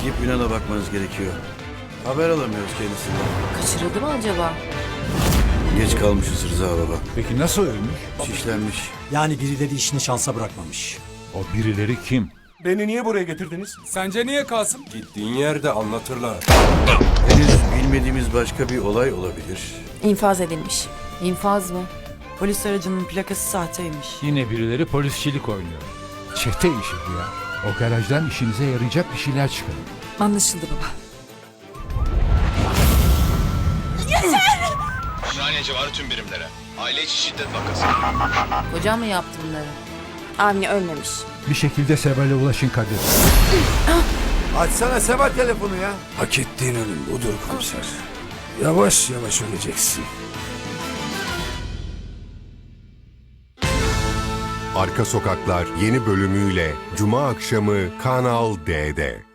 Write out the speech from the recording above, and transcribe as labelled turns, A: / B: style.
A: gidip Ünal'a bakmanız gerekiyor. Haber alamıyoruz kendisinden.
B: Kaçırıldı mı acaba?
A: Geç kalmışız Rıza baba.
C: Peki nasıl ölmüş?
A: Şişlenmiş.
D: Yani birileri işini şansa bırakmamış.
C: O birileri kim?
E: Beni niye buraya getirdiniz?
F: Sence niye Kasım?
E: Gittiğin yerde anlatırlar.
A: Henüz bilmediğimiz başka bir olay olabilir.
B: İnfaz edilmiş. İnfaz mı?
G: Polis aracının plakası sahteymiş.
C: Yine birileri polisçilik oynuyor. Çete işi bu ya. O garajdan işinize yarayacak bir şeyler çıkarın.
B: Anlaşıldı baba.
H: Ümraniye civarı tüm birimlere. Aile içi şiddet vakası.
B: Kocam mı yaptı bunları? Avni ölmemiş.
C: Bir şekilde Seval'e ulaşın Kadir.
E: Açsana Seval telefonu ya.
F: Hak ettiğin ölüm budur komiser. Yavaş yavaş öleceksin.
I: Arka Sokaklar yeni bölümüyle Cuma akşamı Kanal D'de.